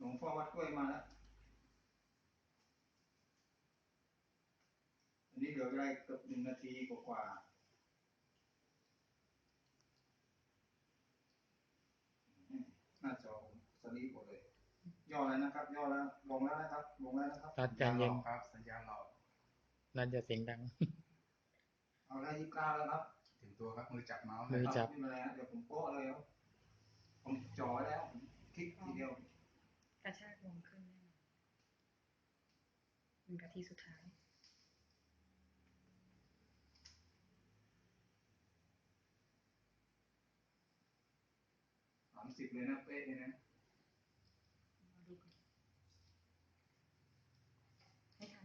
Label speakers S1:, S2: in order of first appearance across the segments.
S1: งพ่อวัดกล้วยมาแล้วอันนี้เหลือเวลาเกือบ1 นาทีกว่าหน้าจอสลีปหมดเลยย่อแล้วนะครับย่อแล้วลงแล้วนะครับลงแล้วนะครับ
S2: รัดใจเย็น
S3: ครับสัญญาณหลอก
S2: รัดจะเสียงดัง
S1: เอาได้29แล้วครับ
S3: ถึงตัวครับมือจับเมาส์
S2: มือจับ
S1: ไม่เป็นไรเดี๋ยวผมโป๊ะเลยครับผมจ่อแล้วคลิกทีเดียว
S4: กระชากลงขึ้นแน่นอน1 นาทีสุดท้าย
S1: 30เลยนะเป๊ะเลยนะ
S4: มาดูกันให้ทัน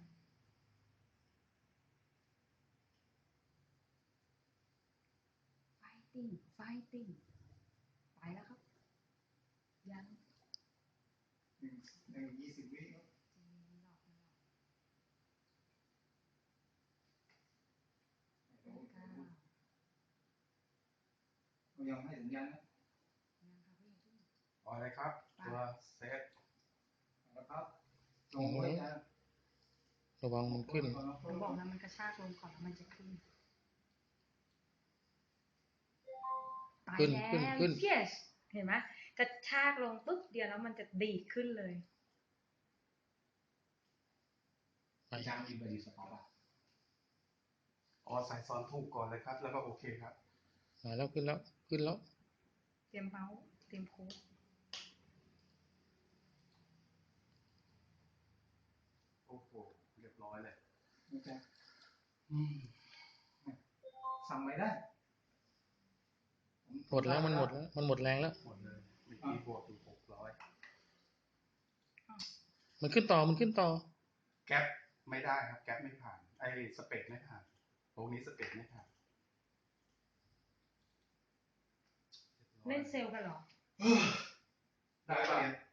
S4: fighting ไปแล้วครับยัง
S1: 20 วิครับยังให้สัญญาณนะ
S3: พอเลยครับตัวเซต
S1: แล้วครับลงไว้นะ
S2: ระวังมันขึ้น
S4: ผมบอกนะมันกระชากลงก่อนแล้วมันจะขึ้นไปแล้ว yes เห็นไหมกระชากลงปุ๊บเดียวแล้วมันจะดีดขึ้นเลย
S1: จางอินบดีสต็อปอ่ะ
S3: ใส่ซ้อนถูกก่อนเลยครับแล้วก็โอเคครับ
S2: มาแล้วขึ้นแล้ว
S4: เตรียมเมาส์เตรียมโค้ด
S3: โอ้โหเรียบร้อยเลย
S1: สั่งไม่ได้
S2: หมดแล้วมันหมดแล้วมันหมดแรงแล้ว
S3: หมดเลยมีที่บวกอยู่600
S2: มันขึ้นต่อ
S3: แก๊ปไม่ได้ครับแก๊ปไม่ผ่านไอ้สเปดไม่ผ่านตรงนี้สเปดไม่ผ่าน
S4: เล่นเซลล์กันเหรอ
S3: ได้เปลี่ยน